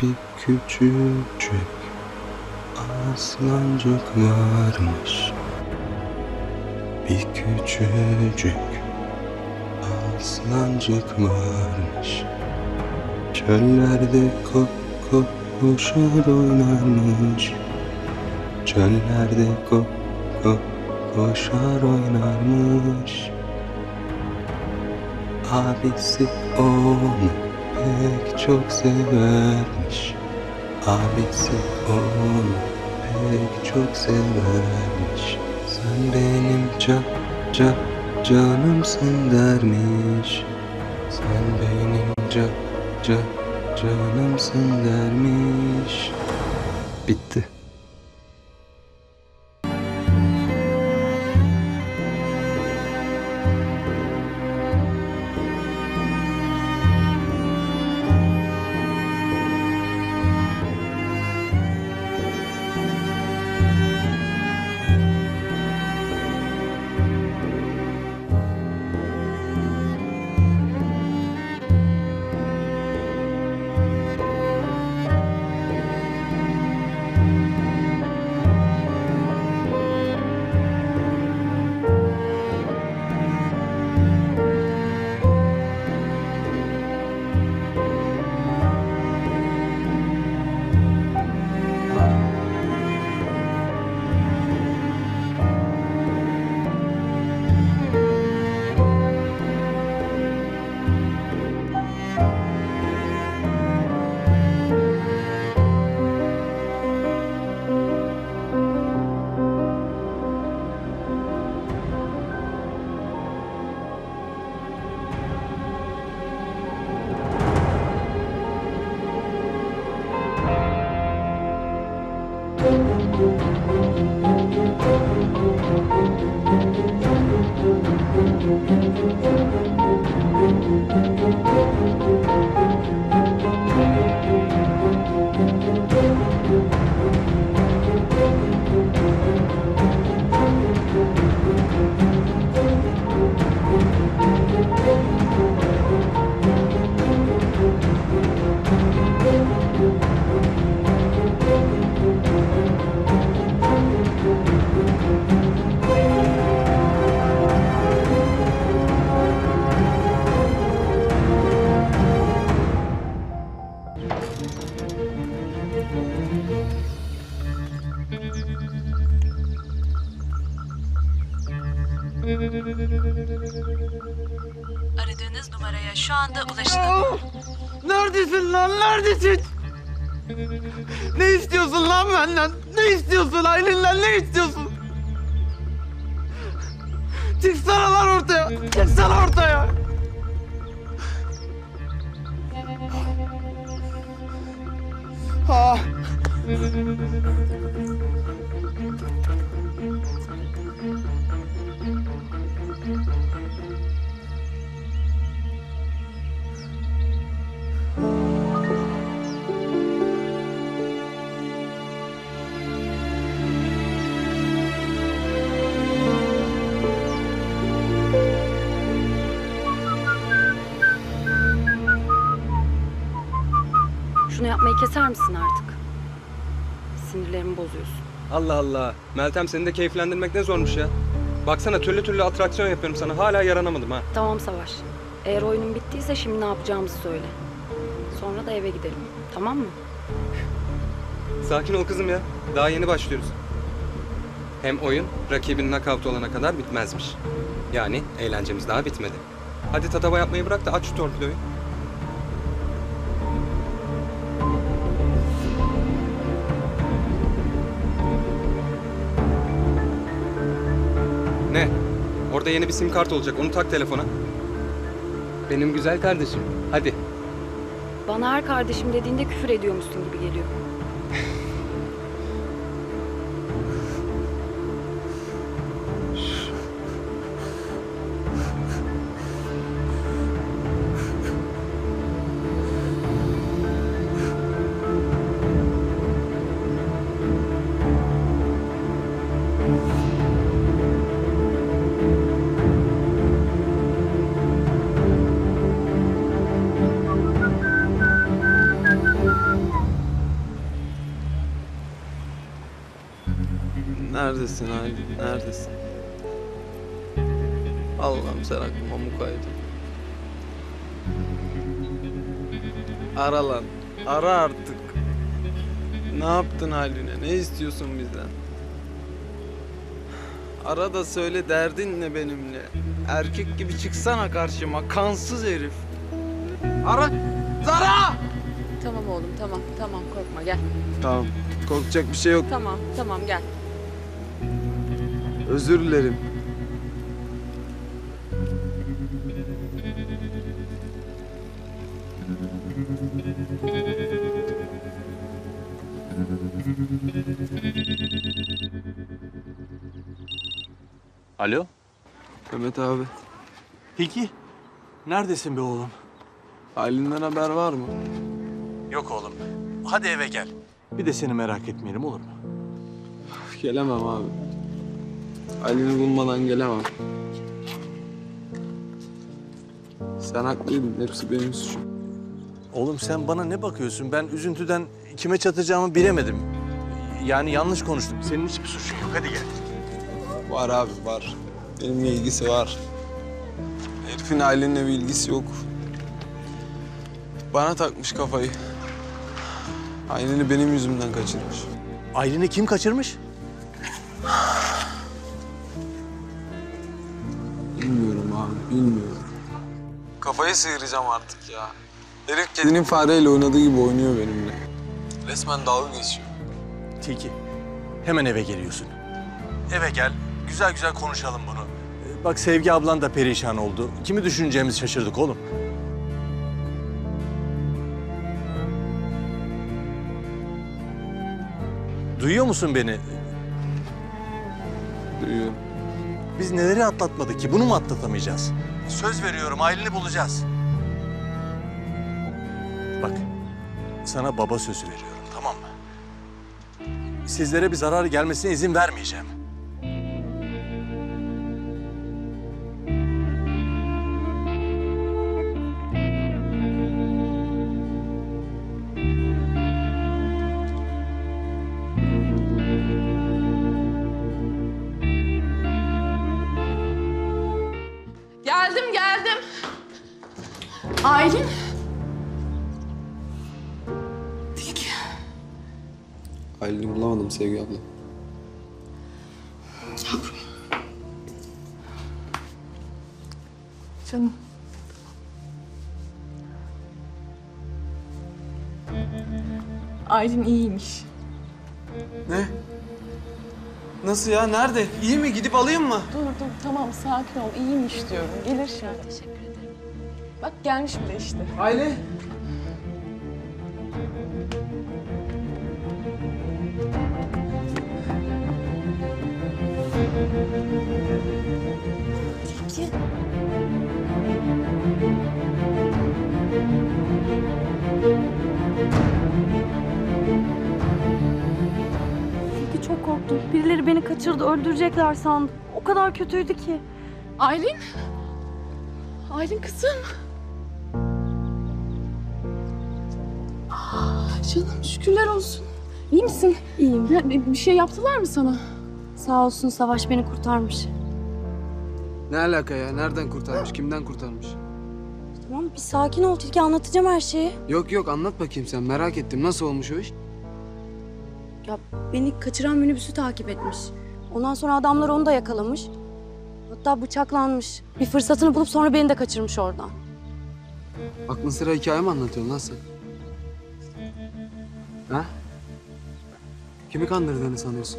bir küçücük aslancık varmış. Bir küçücük aslancık varmış. Çöllerde koşar oynarmış. Çöllerde koşar oynarmış. Abisi onu pek çok severmiş. Abisi onu pek çok severmiş. Sen benim canımsın dermiş. Sen benim canımsın dermiş. Bitti. Aradığınız numaraya şu anda ulaşılamıyor. Neredesin lan? Neredesin? Ne istiyorsun lan benden? Ne istiyorsun Aylin'den? Ne istiyorsun? Çıksana lan ortaya! Çıksana ortaya! Ah! Şunu yapmayı keser misin artık? Sinirlerimi bozuyorsun. Allah Allah. Meltem seni de keyiflendirmek ne zormuş ya. Baksana türlü türlü atraksiyon yapıyorum sana. Hala yaranamadım ha. Tamam Savaş. Eğer oyunun bittiyse şimdi ne yapacağımızı söyle. Sonra da eve gidelim. Tamam mı? Sakin ol kızım ya. Daha yeni başlıyoruz. Hem oyun rakibin nakavt olana kadar bitmezmiş. Yani eğlencemiz daha bitmedi. Hadi tatava yapmayı bırak da aç şu torpidoyu. Ne? Orada yeni bir sim kart olacak. Onu tak telefona. Benim güzel kardeşim. Hadi. Bana her kardeşim dediğinde küfür ediyormuşsun gibi geliyor. Neredesin Aylin? Neredesin? Allah'ım sen aklıma mukayyet ol. Ara lan. Ara artık. Ne yaptın Aylin'e? Ne istiyorsun bizden? Ara da söyle derdin ne benimle? Erkek gibi çıksana karşıma. Kansız herif. Ara! Zara! Tamam oğlum tamam korkma gel. Tamam. Korkacak bir şey yok. Tamam gel. Özür dilerim. Alo? Mehmet abi. Peki. Neredesin be oğlum? Aylin'den haber var mı? Yok oğlum. Hadi eve gel. Bir de seni merak etmeyelim olur mu? Gelemem abi. Aylin'i bulmadan gelemem. Sen haklıydın. Hepsi benim suçum. Oğlum sen bana ne bakıyorsun? Ben üzüntüden kime çatacağımı bilemedim. Yani yanlış konuştum. Senin hiçbir suçun yok. Hadi gel. Var abi var. Benimle ilgisi var. Herifin Aylin'le bir ilgisi yok. Bana takmış kafayı. Aylin'i benim yüzümden kaçırmış. Aylin'i kim kaçırmış? Bilmiyorum abi, bilmiyorum. Kafayı sıyıracağım artık ya. Herif kedinin fareyle oynadığı gibi oynuyor benimle. Resmen dalga geçiyor. Tilki. Hemen eve geliyorsun. Eve gel. Güzel güzel konuşalım bunu. Bak Sevgi ablan da perişan oldu. Kimi düşüneceğimizi şaşırdık oğlum. Duyuyor musun beni? Duyuyorum. Biz neleri atlatmadık ki? Bunu mu atlatamayacağız? Söz veriyorum, Aylin'i bulacağız. Bak, sana baba sözü veriyorum, tamam mı? Sizlere bir zarar gelmesine izin vermeyeceğim. Geldim. Aylin. Tilki. Aylin'i bulamadım Sevgi abla. Yavrum. Canım. Aylin iyiymiş. Ne? Nasıl ya? Nerede? İyi mi? Gidip alayım mı? Dur tamam sakin ol. İyiymiş diyorum. Gelir şimdi. Teşekkür ederim. Bak gelmiş bile işte. Aylin. Tilki çok korktum. Birileri beni kaçırdı, öldürecekler sandım. O kadar kötüydü ki. Aylin. Aylin kızım. Canım şükürler olsun. İyi misin? İyiyim. Ya, bir şey yaptılar mı sana? Sağ olsun Savaş beni kurtarmış. Ne alaka ya? Nereden kurtarmış? Kimden kurtarmış? Tamam bir sakin ol Tilki, anlatacağım her şeyi. Yok anlat bakayım sen. Merak ettim. Nasıl olmuş o iş? Ya beni kaçıran minibüsü takip etmiş. Ondan sonra adamlar onu da yakalamış. Hatta bıçaklanmış. Bir fırsatını bulup sonra beni de kaçırmış oradan. Aklın sıra hikaye mi anlatıyorsun lan sen? Ha? Kimi kandırdığını sanıyorsun?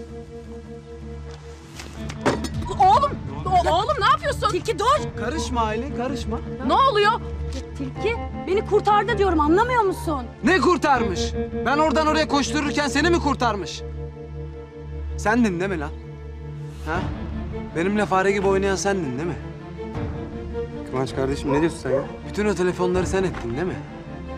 Oğlum ne yapıyorsun? Tilki dur! Karışma Aylin, karışma. Ne oluyor? Tilki beni kurtardı diyorum, anlamıyor musun? Ne kurtarmış? Ben oradan oraya koştururken seni mi kurtarmış? Sendin değil mi lan? Ha? Benimle fare gibi oynayan sendin değil mi? Kıvanç kardeşim ne diyorsun sen ya? Bütün o telefonları sen ettin değil mi?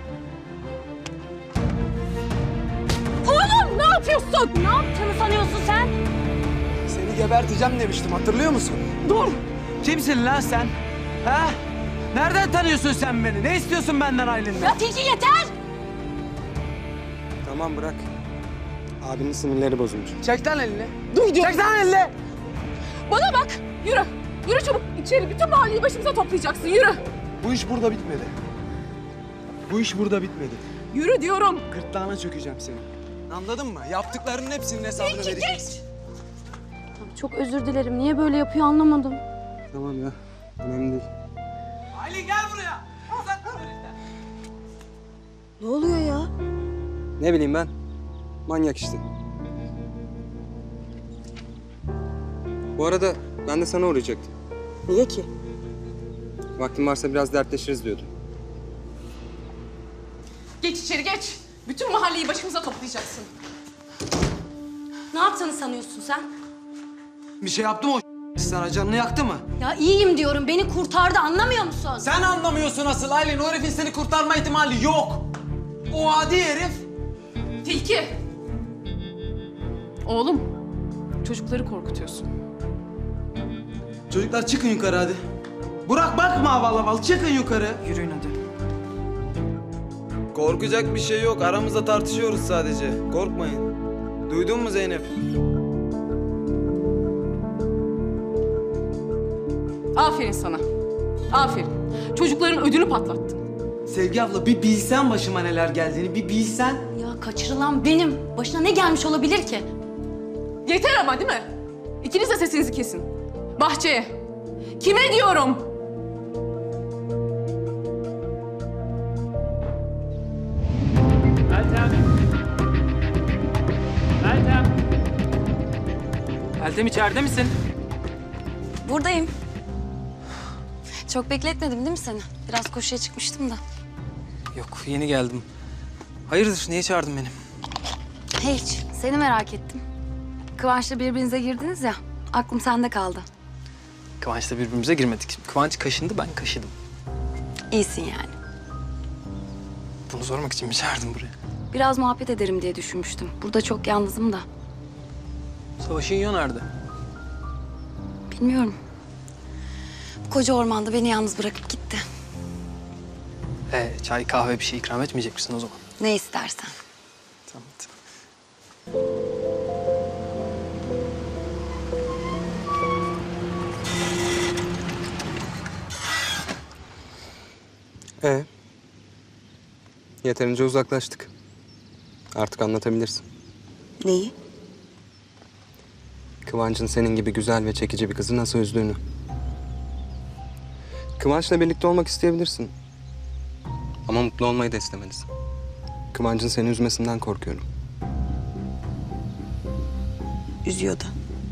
Ne yapıyorsun? Ne yaptığını sanıyorsun sen? Seni geberteceğim demiştim, hatırlıyor musun? Dur. Kimsin lan sen? Ha? Nereden tanıyorsun sen beni? Ne istiyorsun benden Aylin'den? Ya Tilki yeter! Tamam bırak. Abinin sinirleri bozulmuş. Çek lan elini. Dur diyor. Çek lan elini. Bana bak. Yürü. Yürü çabuk. İçeri bütün mahalleyi başımıza toplayacaksın. Yürü. Bu iş burada bitmedi. Bu iş burada bitmedi. Yürü diyorum. Gırtlağına çökeceğim senin. Anladın mı? Yaptıklarının hepsinin hesabını vereceksin. Çok özür dilerim. Niye böyle yapıyor anlamadım. Tamam ya. Önemli değil. Aylin gel buraya. Uzatma heriften. Ne oluyor ya? Ne bileyim ben. Manyak işte. Bu arada ben de sana uğrayacaktım. Niye ki? Vaktin varsa biraz dertleşiriz diyordum. Geç içeri geç. Bütün mahalleyi başımıza toplayacaksın. Ne yaptığını sanıyorsun sen? Bir şey yaptı mı o sana? Canını yaktı mı? Ya iyiyim diyorum. Beni kurtardı. Anlamıyor musun? Sen anlamıyorsun asıl Aylin. O herifin seni kurtarma ihtimali yok. O adi herif. Tilki. Oğlum, çocukları korkutuyorsun. Çocuklar çıkın yukarı hadi. Burak bakma aval aval. Çıkın yukarı. Yürüyün hadi. Korkacak bir şey yok. Aramızda tartışıyoruz sadece. Korkmayın. Duydun mu Zeynep? Aferin sana. Aferin. Çocukların ödünü patlattın. Sevgi abla bir bilsen başıma neler geldiğini bir bilsen. Ya kaçırılan benim. Başına ne gelmiş olabilir ki? Yeter ama değil mi? İkiniz de sesinizi kesin. Bahçeye. Kime diyorum? Meltem içeride misin? Buradayım. Çok bekletmedim değil mi seni? Biraz koşuya çıkmıştım da. Yok, yeni geldim. Hayırdır, niye çağırdın beni? Hiç. Seni merak ettim. Kıvanç'la birbirinize girdiniz ya. Aklım sende kaldı. Kıvanç'la birbirimize girmedik. Kıvanç kaşındı, ben kaşıdım. İyisin yani. Bunu sormak için mi çağırdın buraya? Biraz muhabbet ederim diye düşünmüştüm. Burada çok yalnızım da. Savaş'ın yiyor nerede? Bilmiyorum. Bu koca ormanda beni yalnız bırakıp gitti. Çay, kahve bir şey ikram etmeyecek misin o zaman? Ne istersen. Tamam. Yeterince uzaklaştık. Artık anlatabilirsin. Neyi? Kıvanç'ın senin gibi güzel ve çekici bir kızı nasıl üzdüğünü. Kıvanç'la birlikte olmak isteyebilirsin. Ama mutlu olmayı da istemelisin. Kıvanç'ın seni üzmesinden korkuyorum. Üzüyor da.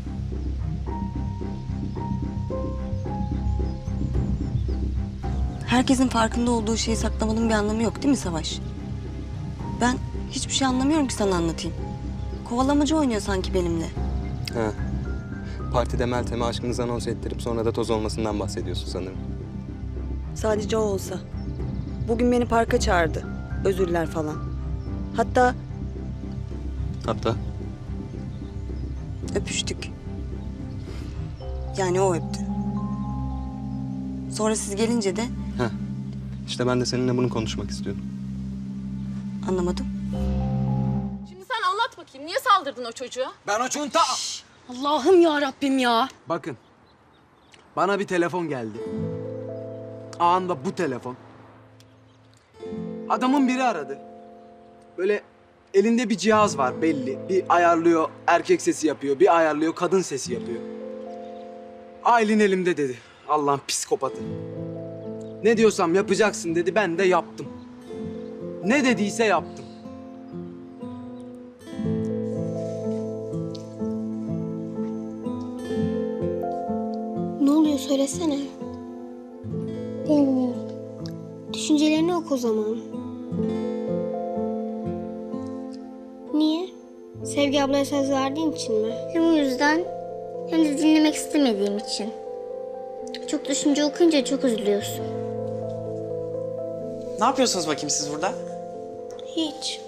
Herkesin farkında olduğu şeyi saklamanın bir anlamı yok değil mi Savaş? Ben hiçbir şey anlamıyorum ki sana anlatayım. Kovalamacı oynuyor sanki benimle. Ha. Partide Meltem'e aşkınızı anons ettirip sonra da toz olmasından bahsediyorsun sanırım. Sadece o olsa. Bugün beni parka çağırdı. Özürler falan. Hatta Hatta öpüştük. Yani o öptü. Sonra siz gelince de işte ben de seninle bunu konuşmak istiyordum. anlamadım. Şimdi sen anlat bakayım. Niye saldırdın o çocuğa? Ben o çunta... Allah'ım ya Rabbim ya. Bakın. Bana bir telefon geldi. Anında bu telefon. Adamın biri aradı. Böyle elinde bir cihaz var belli. Bir ayarlıyor erkek sesi yapıyor, bir ayarlıyor kadın sesi yapıyor. Aylin elimde dedi. Allah'ın psikopatı. Ne diyorsam yapacaksın dedi, ben de yaptım. Ne dediyse yaptım. Ne oluyor söylesene. Bilmiyorum. Düşüncelerini oku o zaman. Niye? Sevgi ablaya söz verdiğin için mi? Hem o yüzden hem de dinlemek istemediğim için. Çok düşünce okuyunca çok üzülüyorsun. Ne yapıyorsunuz bakayım siz burada? Hiç.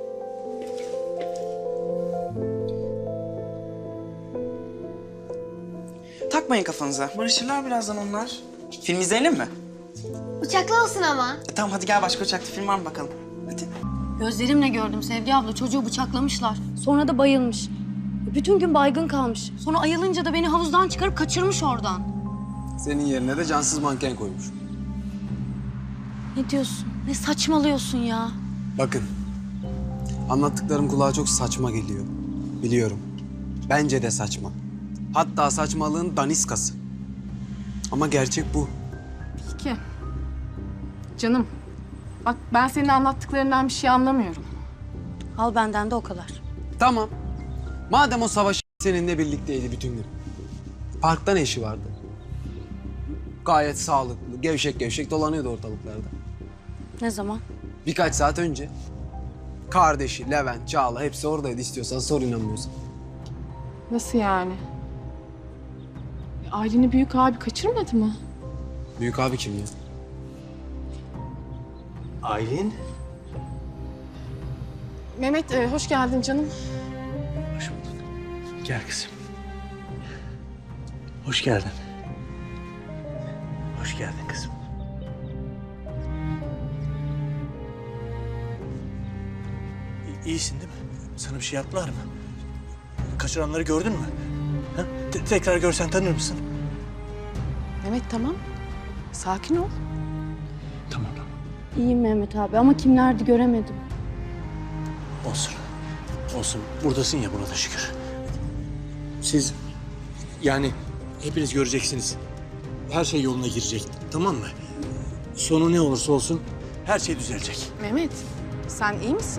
Takmayın kafanıza. Barışırlar birazdan onlar. Film izleyelim mi? Uçaklı olsun ama. Tamam hadi gel başka uçaklı film var mı bakalım. Hadi. Gözlerimle gördüm Sevgi abla. Çocuğu bıçaklamışlar. Sonra da bayılmış. Bütün gün baygın kalmış. Sonra ayılınca da beni havuzdan çıkarıp kaçırmış oradan. Senin yerine de cansız manken koymuş. Ne diyorsun? Ne saçmalıyorsun ya? Bakın, anlattıklarım kulağa çok saçma geliyor. Biliyorum. Bence de saçma. Hatta saçmalığın daniskası. Ama gerçek bu. Peki. Canım, bak ben senin anlattıklarından bir şey anlamıyorum. Al benden de o kadar. Tamam. Madem o Savaş seninle birlikteydi bütün gün. Parkta ne işi vardı? Gayet sağlıklı, gevşek gevşek dolanıyordu ortalıklarda. Ne zaman? Birkaç saat önce. Kardeşi, Levent, Çağla hepsi oradaydı, istiyorsan sor, inanmıyorsan. Nasıl yani? Aylin'i büyük abi kaçırmadı mı? Büyük abi kim ya? Aylin. Mehmet, hoş geldin canım. Hoş bulduk. Gel kızım. Hoş geldin. Hoş geldin kızım. İyisin değil mi? Sana bir şey yaptılar mı? Kaçıranları gördün mü? Ha? Tekrar görsen tanır mısın? Mehmet tamam. Sakin ol. Tamam. İyiyim Mehmet abi ama kimlerdi göremedim. Olsun. Olsun. Buradasın ya, buna da şükür. Siz yani hepiniz göreceksiniz. Her şey yoluna girecek. Tamam mı? Sonu ne olursa olsun her şey düzelecek. Mehmet, sen iyi misin?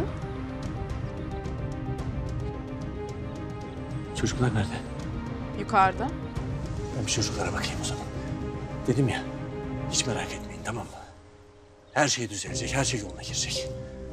Çocuklar nerede? Yukarıda. Ben bir çocuklara bakayım o zaman. Dedim ya, hiç merak etmeyin, tamam mı? Her şey düzelecek, her şey yoluna girecek.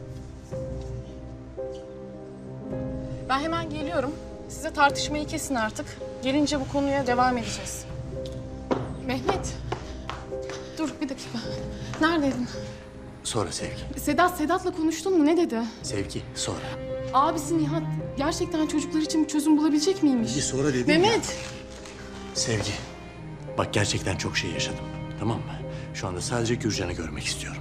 Ben hemen geliyorum. Size tartışmayı kesin artık. Gelince bu konuya devam edeceğiz. Mehmet, dur bir dakika. Neredeydin? Sonra Sevgi. Sedat'la konuştun mu? Ne dedi? Sevgi, sonra. Abisi Nihat gerçekten çocuklar için bir çözüm bulabilecek miymiş? Bir sonra dedim ya. Mehmet! Sevgi, bak gerçekten çok şey yaşadım, tamam mı? Şu anda sadece Gürcan'ı görmek istiyorum.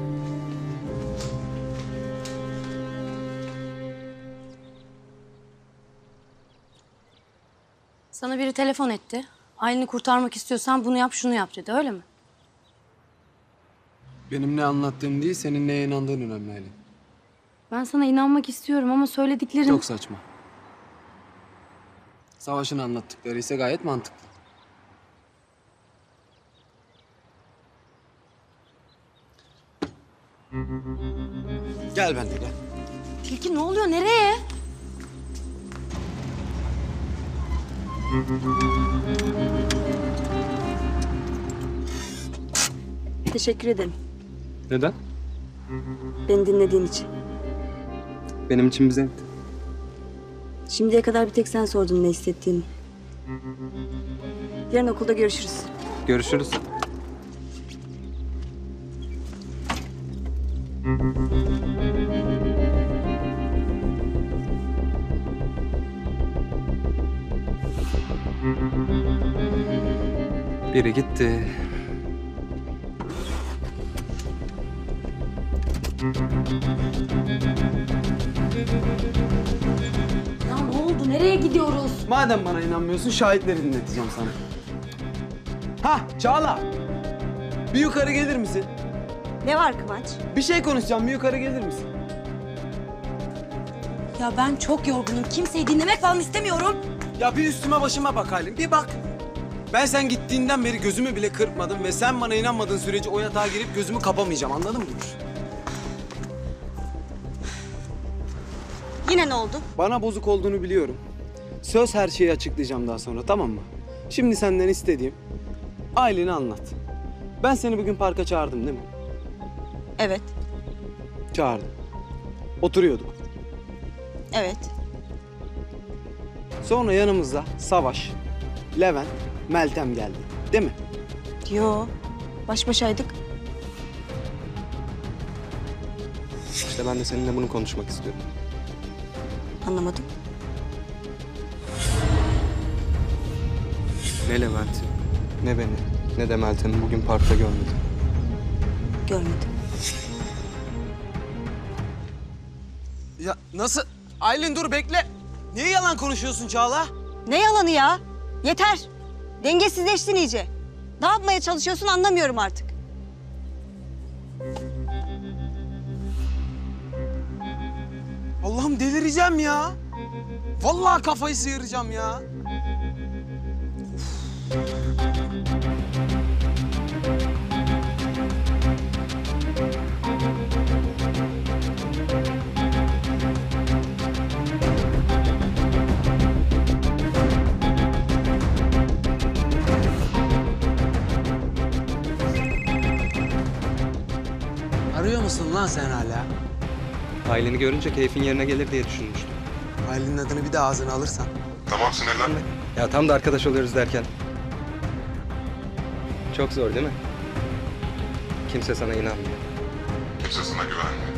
Sana biri telefon etti. Aylin'i kurtarmak istiyorsan bunu yap, şunu yap dedi. Öyle mi? Benim ne anlattığım değil, senin neye inandığın önemli Aylin. Ben sana inanmak istiyorum ama söylediklerin... Çok saçma. Savaş'ın anlattıkları ise gayet mantıklı. Gel benimle gel. Tilki ne oluyor? Nereye? Teşekkür ederim. Neden? Beni dinlediğin için. Benim için bir zevkti. Şimdiye kadar bir tek sen sordun ne hissettiğimi. Yarın okulda görüşürüz. Görüşürüz. Biri gitti. Ya ne oldu? Nereye gidiyoruz? Madem bana inanmıyorsun, şahitleri dinleteceğim sana. Hah, Çağla! Bir yukarı gelir misin? Ne var Kıvanç? Bir şey konuşacağım, bir yukarı gelir misin? Ya ben çok yorgunum. Kimseyi dinlemek falan istemiyorum. Ya bir üstüme başıma bak Halim, bir bak. Ben sen gittiğinden beri gözümü bile kırpmadım ve sen bana inanmadığın sürece o yatağa girip gözümü kapamayacağım, anladın mı? Yine ne oldu? Bana bozuk olduğunu biliyorum. Söz her şeyi açıklayacağım daha sonra, tamam mı? Şimdi senden istediğim, Aylin'i anlat. Ben seni bugün parka çağırdım değil mi? Evet. Çağırdım. Oturuyorduk. Evet. Sonra yanımızda Savaş, Levent, Meltem geldi. Değil mi? Yo. Baş başaydık. İşte ben de seninle bunu konuşmak istiyorum. Anlamadım. Ne Levent'i, ne beni, ne de Meltem'i bugün parkta görmedim. Görmedim. Ya nasıl? Aylin dur bekle. Niye yalan konuşuyorsun Çağla? Ne yalanı ya? Yeter. Dengesizleştin iyice. Ne yapmaya çalışıyorsun anlamıyorum artık. Allah'ım delireceğim ya. Vallahi kafayı sıyıracağım ya. Arıyor musun lan sen hala? Aileni görünce keyfin yerine gelir diye düşünmüştüm. Aylin'in adını bir de ağzına alırsan. Tamam sinirlenme. Ya tam da arkadaş oluyoruz derken. Çok zor değil mi? Kimse sana inanmıyor. Kimse sana güvenmiyor.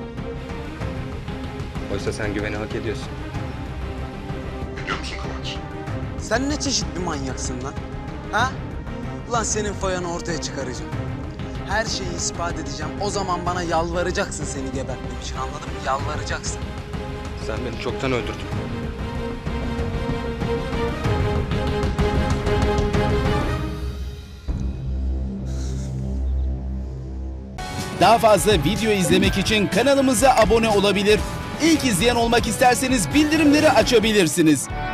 Oysa sen güveni hak ediyorsun. Biliyor musun Kıvanç? Sen ne çeşit bir manyaksın lan? Ha? Ulan senin fayanı ortaya çıkaracağım. Her şeyi ispat edeceğim. O zaman bana yalvaracaksın seni gebertmem için, anladın mı? Yalvaracaksın. Sen beni çoktan öldürdün. Daha fazla video izlemek için kanalımıza abone olabilir. İlk izleyen olmak isterseniz bildirimleri açabilirsiniz.